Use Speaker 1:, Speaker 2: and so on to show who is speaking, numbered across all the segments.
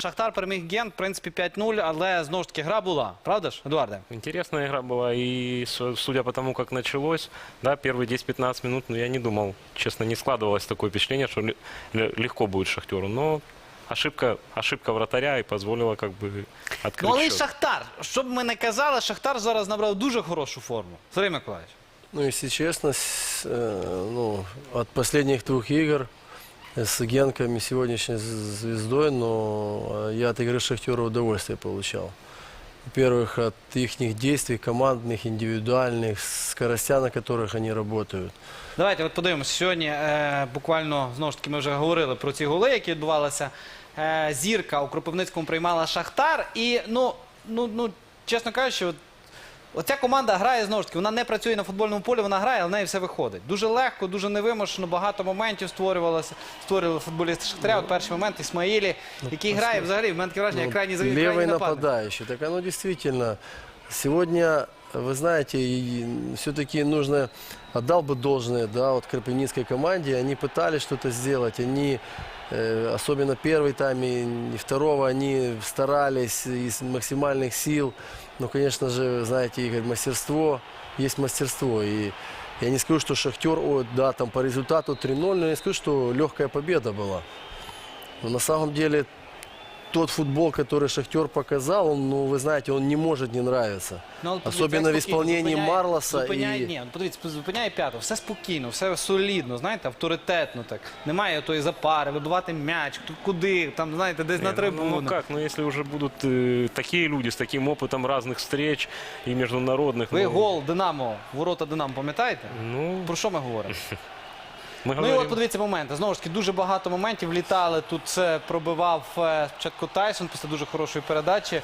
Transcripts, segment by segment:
Speaker 1: Шахтар переміг Гент, в принципі, 5-0, але знову ж таки гра була. Правда ж, Едуарде?
Speaker 2: Интересная игра была, и судя по тому, как началось, да, первые 10-15 минут, я не думал, честно, не складывалось такое впечатление, что легко будет Шахтеру, но ошибка вратаря и позволила как бы открыть
Speaker 1: Ну, але й
Speaker 2: счет.
Speaker 1: Шахтар, що б ми не казали, Шахтар зараз набрав дуже хорошу форму. Сергій Миколаївич.
Speaker 3: Ну, если честно, от последних двух игр с Генком и сегодняшней звездой, но я от игры Шахтера удовольствие получал. Во-первых, от их действий, командных, индивидуальных, скоростя, на которых они работают.
Speaker 1: Давайте от подивимося. Сьогодні буквально, знову ж таки, ми вже говорили про ці голи, які відбувалися. Зірка у Кропивницькому приймала Шахтар. І, чесно кажучи, оця команда грає, знову ж таки, вона не працює на футбольному полі, вона грає, але в неї все виходить. Дуже легко, дуже невимушено, багато моментів створювали футболісти Шахтаря. От перший момент Ісмаїлі, який грає взагалі, в мене таке враження, як крайній завів,
Speaker 3: Левый
Speaker 1: крайній нападник.
Speaker 3: нападающий. Так оно действительно, сегодня, вы знаете, все-таки нужно, отдал бы должное, да, вот Кропивницкой команде, они пытались что-то сделать, они, особенно первый тайм и второго, они старались из максимальных сил, но, конечно же, знаете, Игорь, мастерство, есть мастерство, и я не скажу, что Шахтер, да, там по результату 3-0, но я не скажу, что легкая победа была, но на самом деле тот футбол, который Шахтер показал, он, ну, вы знаете, он не может не нравиться.
Speaker 1: Ну, але подивіться,
Speaker 3: Особенно
Speaker 1: як
Speaker 3: в
Speaker 1: спокійно
Speaker 3: исполнении Марлоса.
Speaker 1: Зупиняє,
Speaker 3: И...
Speaker 1: ні, подивіться, зупиняє п'ятого. Все спокійно, все солідно, знаєте, авторитетно так. Немає тої запари, вибивати м'яч, куди, там, знаєте, десь на трибуну.
Speaker 2: Ну как, если уже будут такие люди с таким опытом разных встреч и международных.
Speaker 1: Ви гол Динамо, ворота Динамо, пам'ятаєте?
Speaker 2: Ну,
Speaker 1: Про що ми говоримо?
Speaker 2: мы
Speaker 1: Ну і
Speaker 2: говорим,
Speaker 1: от подивіться моменти. Знову ж таки, дуже багато моментів літали. Тут це пробивав спочатку Тайсон після дуже хорошої передачі.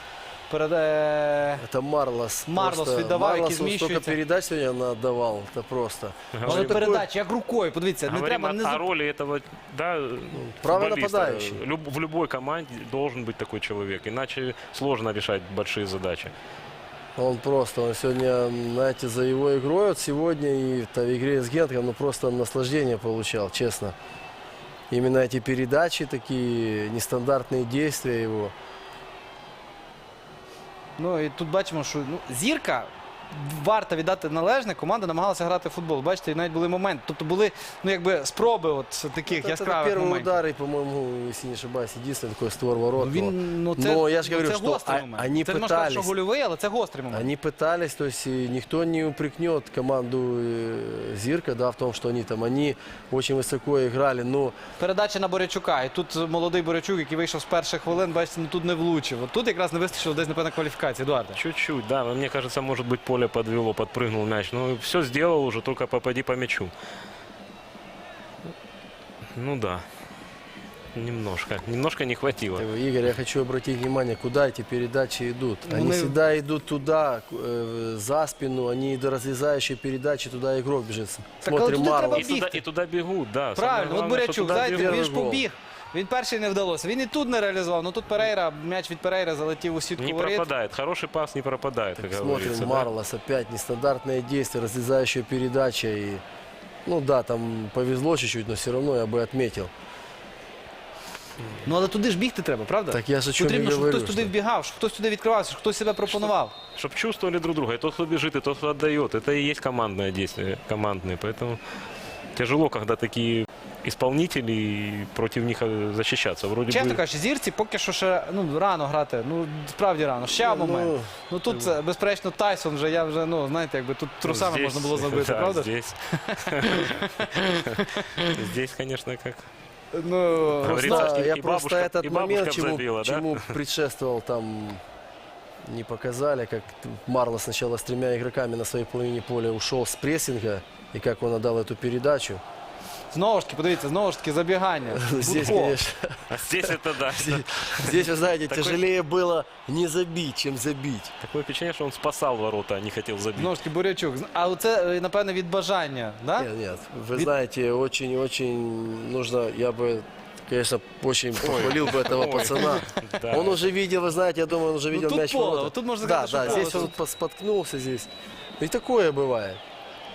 Speaker 3: Это Марлос.
Speaker 1: Марлос
Speaker 3: Просто
Speaker 1: віддавав, який
Speaker 3: Марлос, он столько
Speaker 1: зміщується.
Speaker 3: передач сегодня отдавал. Это просто.
Speaker 1: Але передачі, як рукою, подивіться, не
Speaker 2: говорим
Speaker 1: треба... Не...
Speaker 2: о роли этого, да,
Speaker 3: правый
Speaker 2: футболиста.
Speaker 3: нападающий.
Speaker 2: В любой команде должен быть такой человек, иначе сложно решать большие задачи.
Speaker 3: Он сегодня, знаете, за его игрой вот сегодня и в игре с Генком, ну просто наслаждение получал, честно. Именно эти передачи, такие нестандартные действия его.
Speaker 1: Ну і тут бачимо, що Зірка, варто віддати належне, команда намагалася грати в футбол. Бачите, і навіть були моменти. Тобто були, спроби от таких
Speaker 3: Это
Speaker 1: яскравих
Speaker 3: первый
Speaker 1: моментів.
Speaker 3: удар, и, по-моему, если не ошибаюсь, единственный такой створ ворот.
Speaker 1: Но
Speaker 3: я же говорю,
Speaker 1: це
Speaker 3: что
Speaker 1: гострий момент.
Speaker 3: они
Speaker 1: Це не можна сказати, що
Speaker 3: пытались.
Speaker 1: гольовий, але це гострий момент.
Speaker 3: Они пытались, то есть никто не упрекнет команду Зирка, да, в том, что они очень высоко играли, но
Speaker 1: Передача на Борячука. І тут молодий Борячук, який вийшов з перших хвилин, бачите, тут не влучив. От тут якраз не вистачило десь, напевно, кваліфікації. Едуарде.
Speaker 2: Чуть-чуть, да, мне кажется, может быть, поле подвело, подпрыгнул мяч. Ну, все сделал уже, только попади по мячу. Ну да, немножко не хватило.
Speaker 3: Игорь, я хочу обратить внимание, куда эти передачи идут. Они всегда идут туда, за спину, они до разрезающей передачи, туда игрок бежит. Смотрим
Speaker 1: туди треба
Speaker 3: Марлос.
Speaker 2: И туда бегут, да. Самое
Speaker 1: Правильно, от
Speaker 2: главное, что
Speaker 1: Борячук,
Speaker 2: туда
Speaker 1: знаєте,
Speaker 2: бегут.
Speaker 1: він ж
Speaker 3: гол.
Speaker 1: побіг. Він перший не вдалося. Він і тут не реалізував. Ну тут Перейра, м'яч від Перейра залетів у сітку
Speaker 2: Не
Speaker 1: воріт.
Speaker 2: пропадает. Хороший пас не пропадает, как говорится.
Speaker 3: Смотрим
Speaker 2: да.
Speaker 3: Марлос, опять нестандартное действие, разрезающая передача. И, ну да, там повезло чуть-чуть, но все равно я бы отметил.
Speaker 1: Ну але туди ж бігти треба, правда?
Speaker 3: Так я ж о чому і
Speaker 1: Потрібно, щоб
Speaker 3: говорю,
Speaker 1: хтось туди
Speaker 3: що-
Speaker 1: вбігав, щоб хтось туди відкривався, щоб хтось себе пропонував.
Speaker 2: Чтобы чувствовали друг друга. И тот, кто бежит, и тот, кто отдает. Это и есть командное действие, командное. Поэтому тяжело, когда такие исполнители, и против них защищаться. Вроде
Speaker 1: Чесно
Speaker 2: бы...
Speaker 1: кажучи, Зірці поки що ще рано грати. Ну, справді рано. Ще момент. Ну тут, безперечно, Тайсон вже, я вже, знаєте, якби тут трусами
Speaker 2: Здесь,
Speaker 1: можна було забити,
Speaker 2: да,
Speaker 1: правда?
Speaker 2: Здесь. Здесь, конечно, как...
Speaker 1: Ну,
Speaker 2: Говорится,
Speaker 3: Да,
Speaker 2: и
Speaker 3: я
Speaker 2: бабушка-
Speaker 3: просто этот
Speaker 2: и бабушка
Speaker 3: момент,
Speaker 2: забила, да?
Speaker 3: чему предшествовал, там не показали, как Марлос сначала с 3 игроками на своей половине поля ушел с прессинга, и как он отдал эту передачу.
Speaker 1: знову ж таки, подивіться, знову ж таки, забігання.
Speaker 3: Здесь,
Speaker 1: Будко.
Speaker 3: конечно,
Speaker 2: А здесь это да.
Speaker 3: здесь, вы знаете,
Speaker 2: Такой-
Speaker 3: тяжелее было не забить, чем забить.
Speaker 2: Такое впечатление, что он спасал ворота, а не хотел забить.
Speaker 1: Знову ж таки, Бурячук. А це, напевно, від бажання, да?
Speaker 3: Нет, вы знаете, очень-очень нужно, я бы, конечно, очень похвалил бы этого пацана.
Speaker 2: Да.
Speaker 3: Он уже видел, вы знаете, я думаю, он уже видел
Speaker 1: тут
Speaker 3: мяч в
Speaker 1: поло,
Speaker 3: ворота.
Speaker 1: вот тут можно
Speaker 3: да,
Speaker 1: сказать, что
Speaker 3: да,
Speaker 1: поло.
Speaker 3: здесь он споткнулся здесь. И такое бывает.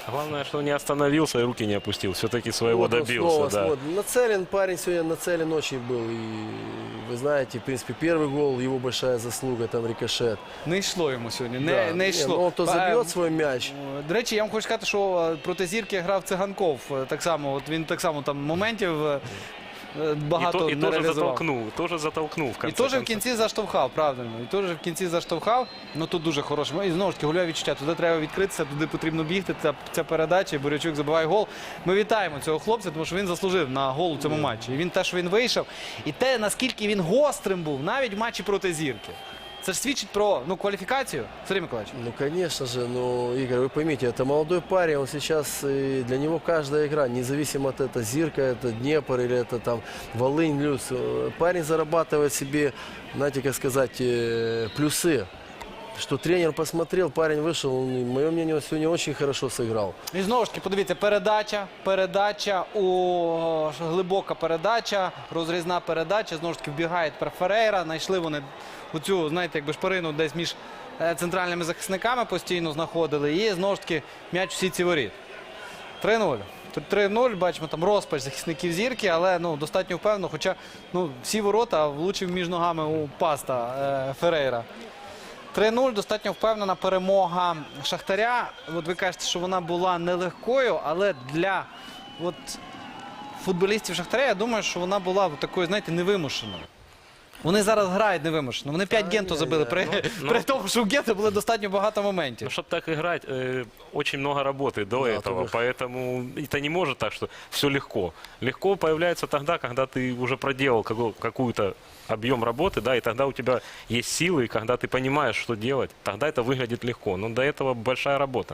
Speaker 2: Главное, что не остановился и руки не опустил. Все-таки своего
Speaker 3: Вот он
Speaker 2: добился.
Speaker 3: снова
Speaker 2: Да.
Speaker 3: смотрит. Нацелен, парень сегодня нацелен очень был. И вы знаете, в принципе, первый гол, его большая заслуга, там рикошет.
Speaker 1: Не йшло йому сьогодні.
Speaker 3: Да.
Speaker 1: Не
Speaker 3: Не,
Speaker 1: йшло.
Speaker 3: ну, он то забьет свой мяч.
Speaker 1: До речі, я вам хочу сказати, що проти зірки грав Циганков. Так само, от він так само там моментів багато
Speaker 2: И
Speaker 1: не
Speaker 2: тоже
Speaker 1: реалізував.
Speaker 2: тоже затолкнул в
Speaker 1: І
Speaker 2: конце
Speaker 1: теж в
Speaker 2: концов.
Speaker 1: кінці заштовхав, правильно. І теж в кінці заштовхав. Ну тут дуже хороше. І знову ж таки, гольове відчуття. Туди треба відкритися, туди потрібно бігти. Ця передача, і Бурячук забиває гол. Ми вітаємо цього хлопця, тому що він заслужив на гол у цьому матчі. І він те, що він вийшов. І те, наскільки він гострим був, навіть в матчі проти зірки. Це ж свідчить про кваліфікацію. Сергій Миколаївич.
Speaker 3: Ну, конечно же, ну, Игорь, вы поймите, это молодой парень, он сейчас, для него каждая игра, независимо от это Зирка, это Днепр или это там Волынь, Люс, парень зарабатывает себе, знаете, как сказать, плюсы. Что тренер посмотрел, парень вышел, он, мое мнение, он сегодня очень хорошо сыграл.
Speaker 1: І знову ж таки, подивіться, передача, глибока передача, розрізна передача, знову ж таки вбігає тепер Ферейра, знайшли вони оцю, знаєте, якби шпарину десь між центральними захисниками постійно знаходили, і знову ж таки м'яч у сітці воріт. 3-0. Тут 3-0, бачимо там розпач захисників зірки, але достатньо впевнено, хоча всі ворота влучив між ногами у паста Ферейра. 3-0, достатньо впевнена перемога Шахтаря. От ви кажете, що вона була нелегкою, але для футболістів Шахтаря, я думаю, що вона була такою, знаєте, невимушеною. Вони зараз грають невимушено. Вони 5 Генту забили, при тому, що у Гента було достатньо багато моментів.
Speaker 2: Ну, чтобы так играть, очень много работы до этого. Поэтому это не может так, что все легко. Легко появляется тогда, когда ты уже проделал какую-то объем работы, да, и тогда у тебя есть силы, и когда ты понимаешь, что делать, тогда это выглядит легко. Но до этого большая работа.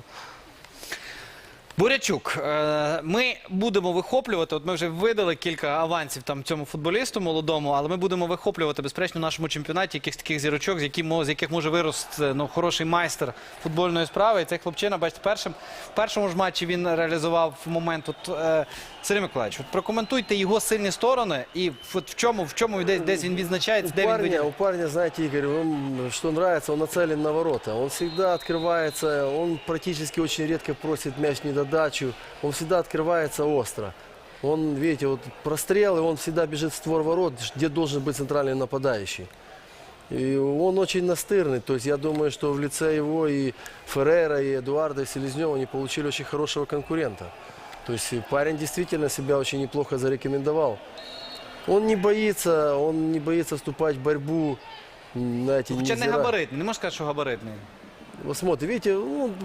Speaker 1: Бурячук, ми будемо вихоплювати, от ми вже видали кілька авансів там цьому футболісту молодому, але ми будемо вихоплювати, безперечно, в нашому чемпіонаті якихось таких зірочок, з яких може вирости хороший майстер футбольної справи. І цей хлопчина, бачите, в першому ж матчі він реалізував момент. Сергій Миколаївич, прокоментуйте його сильні сторони і в чому десь він відзначається, де він виділяє.
Speaker 3: У парня, знаете, Игорь, что нравится, он нацелен на ворота. Он всегда открывается, он практически очень редко просит мяч недодачу. Он всегда открывается остро. Он, видите, вот прострел, и он всегда бежит в створ ворот, где должен быть центральный нападающий. И он очень настырный. То есть я думаю, что в лице его и Феррейра, и Эдуарда, и Селезнева они получили очень хорошего конкурента. То есть парень действительно себя очень неплохо зарекомендовал. Он не боится вступать в борьбу. Знаете,
Speaker 1: Хоча не габаритний, не можна сказати, що габаритний.
Speaker 3: Вот смотрите, видите,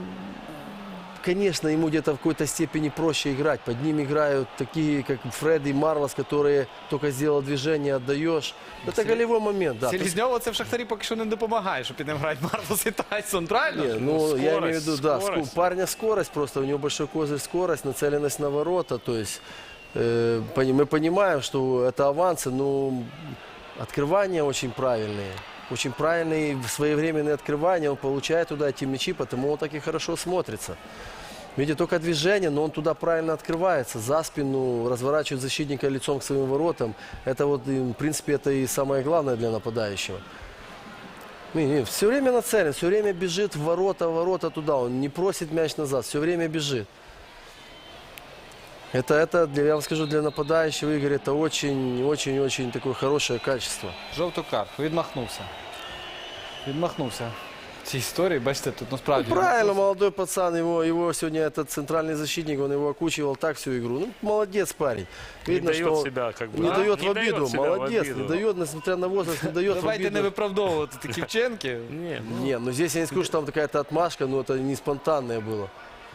Speaker 3: конечно, ему где-то в какой-то степени проще играть. Под ним играют такие, как Фред и Марлос, которые только сделал движение, отдаешь. Это голевой момент, да.
Speaker 1: Селезньову це в Шахтарі поки що не допомагає, що під ним грають Марлос і Тайсон, правильно?
Speaker 3: Не, ну, я имею в виду, да,
Speaker 2: скорость.
Speaker 3: парня скорость просто, у него большой козырь скорость, нацеленность на ворота, то есть мы понимаем, что это авансы, но открывания очень правильные, своевременные открывания, он получает туда эти мячи, потому он так и хорошо смотрится. Видите, только движение, но он туда правильно открывается, за спину, разворачивает защитника лицом к своим воротам. Это вот, в принципе, это и самое главное для нападающего. Все время нацелен, все время бежит в ворота туда, он не просит мяч назад, все время бежит. Это, я вам скажу, для нападающего, Игорь, это очень такое хорошее качество.
Speaker 1: Жовту картку, відмахнувся. Відмахнувся. В цій історії, бачите, тут насправді...
Speaker 3: Правильно, молодой пацан, его сегодня этот центральный защитник, он его окучивал так всю игру. Ну, молодец парень. Видно,
Speaker 2: не
Speaker 3: что
Speaker 2: дает
Speaker 3: он
Speaker 2: себя, как бы,
Speaker 3: не
Speaker 2: да?
Speaker 3: дает
Speaker 2: Не
Speaker 3: в обиду.
Speaker 2: дает себя в
Speaker 3: Молодец,
Speaker 2: обиду.
Speaker 3: не дает, несмотря на возраст, не дает в
Speaker 1: Давайте не
Speaker 3: обиду.
Speaker 1: виправдовувати такі вчинки.
Speaker 2: Нет,
Speaker 3: Не, ну здесь я не скажу, что там какая-то отмашка, но это не спонтанное было.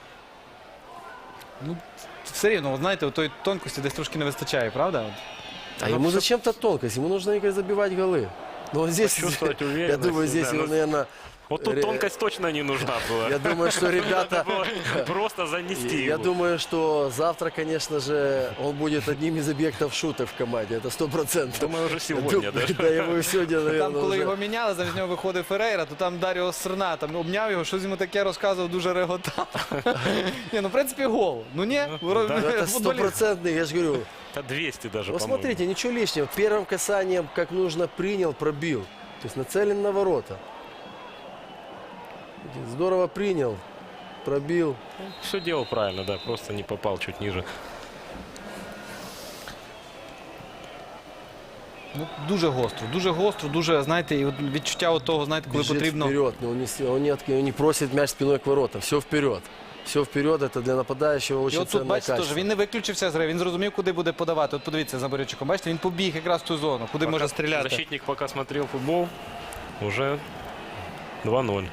Speaker 1: Ну, все рівно, знаєте, тої тонкості десь трошки не вистачає, правда?
Speaker 3: А ему зачем-то тонкость, ему нужно, Игорь, забивать голы. Но он здесь,
Speaker 2: Почувствовать
Speaker 3: я
Speaker 2: уверенность,
Speaker 3: думаю, здесь
Speaker 2: да,
Speaker 3: его,
Speaker 2: ну,
Speaker 3: наверное,
Speaker 2: вот тут тонкость точно не нужна была.
Speaker 3: я думаю, что ребята...
Speaker 2: Надо было просто занести
Speaker 3: Я
Speaker 2: его.
Speaker 3: думаю, что завтра, конечно же, он будет одним из объектов шуток в команде. Это 100%.
Speaker 2: Думаю, уже сегодня, да?
Speaker 3: Да, его сегодня,
Speaker 1: Там,
Speaker 3: наверное,
Speaker 1: коли
Speaker 3: уже.
Speaker 1: його міняли, замість нього виходив Ферейра, то там Даріо Серна там обняв його, щось йому таке розказував, дуже реготав. Ні, ну, в принципі, гол. Ну, ні,
Speaker 3: Ну, это
Speaker 1: футболіст.
Speaker 3: 100%, я же говорю.
Speaker 2: Это 200 даже,
Speaker 3: Вот
Speaker 2: по-моему.
Speaker 3: смотрите, ничего лишнего. Первым касанием, как нужно, принял, пробил. То есть нацелен на ворота. Здорово принял. пробил.
Speaker 2: Все делал правильно, да, просто не попал чуть ниже.
Speaker 1: Ну, дуже гостро, дуже, знаєте, і от відчуття от того, знаєте, коли
Speaker 3: Бежит
Speaker 1: потрібно.
Speaker 3: вперед, но он не просит мяч спиной к воротам. Все вперед. Все вперед, это для нападающего
Speaker 1: І
Speaker 3: очень
Speaker 1: от тут,
Speaker 3: ценное
Speaker 1: бачите,
Speaker 3: качество.
Speaker 1: теж він не виключився з гри, він зрозумів, куди буде подавати. От подивіться за Борячуком, бачите, він побіг якраз в ту зону, куди може стріляти.
Speaker 2: Защитник пока смотрел футбол, уже 2-0.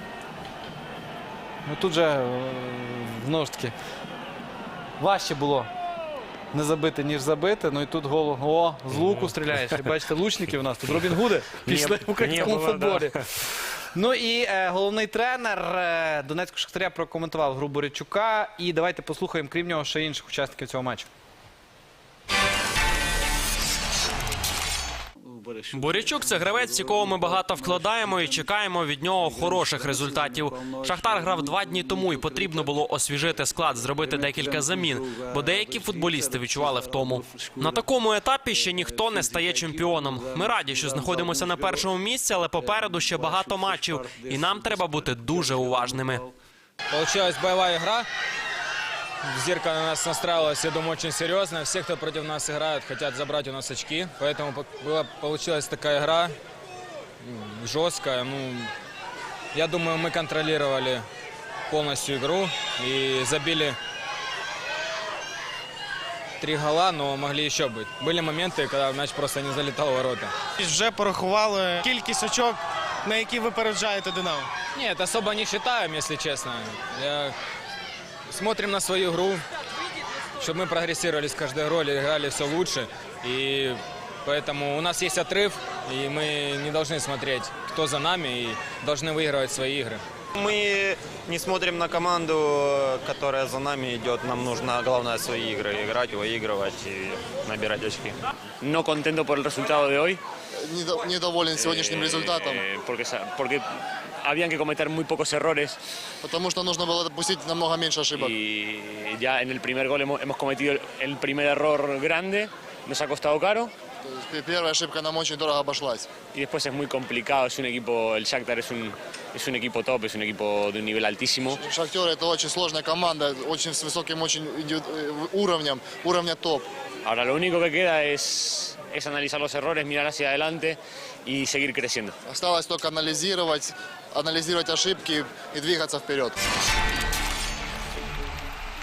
Speaker 1: Ну тут же, знову ж таки, важче було не забити, ніж забити. Ну і тут гол, о, з луку стріляєш. І бачите, лучники у нас тут. Робін Гуди пішли в українському
Speaker 2: не було,
Speaker 1: футболі. Ну і головний тренер Донецького Шахтаря прокоментував гру Борячука. І давайте послухаємо, крім нього, ще інших учасників цього матчу.
Speaker 4: Борячук – це гравець, в якого ми багато вкладаємо і чекаємо від нього хороших результатів. Шахтар грав 2 дні тому і потрібно було освіжити склад, зробити декілька замін, бо деякі футболісти відчували втому. На такому етапі ще ніхто не стає чемпіоном. Ми раді, що знаходимося на першому місці, але попереду ще багато матчів, і нам треба бути дуже уважними.
Speaker 5: Получилась боевая игра. Зирка на нас настраивалась, я думаю, очень серьезно. Все, кто против нас играют, хотят забрать у нас очки. Поэтому получилась такая игра жесткая. Ну, я думаю, мы контролировали полностью игру и забили 3 гола, но могли еще быть. Были моменты, когда мяч просто не залетал в ворота.
Speaker 6: Вже порахували кількість очок, на які випереджаєте «Динамо».
Speaker 5: Нет, особо не считаем, если честно. Смотрим на свою игру, чтобы мы прогрессировали с каждой игрой, играли все лучше. И поэтому у нас есть отрыв, и мы не должны смотреть, кто за нами, и должны выигрывать свои игры.
Speaker 7: Мы не смотрим на команду, которая за нами идет. Нам нужно, главное, свои игры играть, выигрывать и набирать очки.
Speaker 8: No contento por el resultado de hoy.
Speaker 9: Недоволен сегодняшним результатом,
Speaker 8: Porque habían que cometer muy pocos errores
Speaker 9: потому что нужно было допустить намного меньше ошибок.
Speaker 8: y ya en el primer gol hemos cometido el primer error grande, nos ha costado caro
Speaker 9: То есть первая ошибка нам очень дорого обошлась.
Speaker 8: y después es muy complicado, es un equipo, el Shakhtar es un equipo top, es un equipo de un nivel altísimo.
Speaker 9: Шахтер это очень сложная команда, очень с высоким уровня топ.
Speaker 8: Ahora lo único que queda es analizar los errores, mirar hacia adelante y seguir creciendo.
Speaker 9: Осталось только анализировать ошибки и двигаться вперед.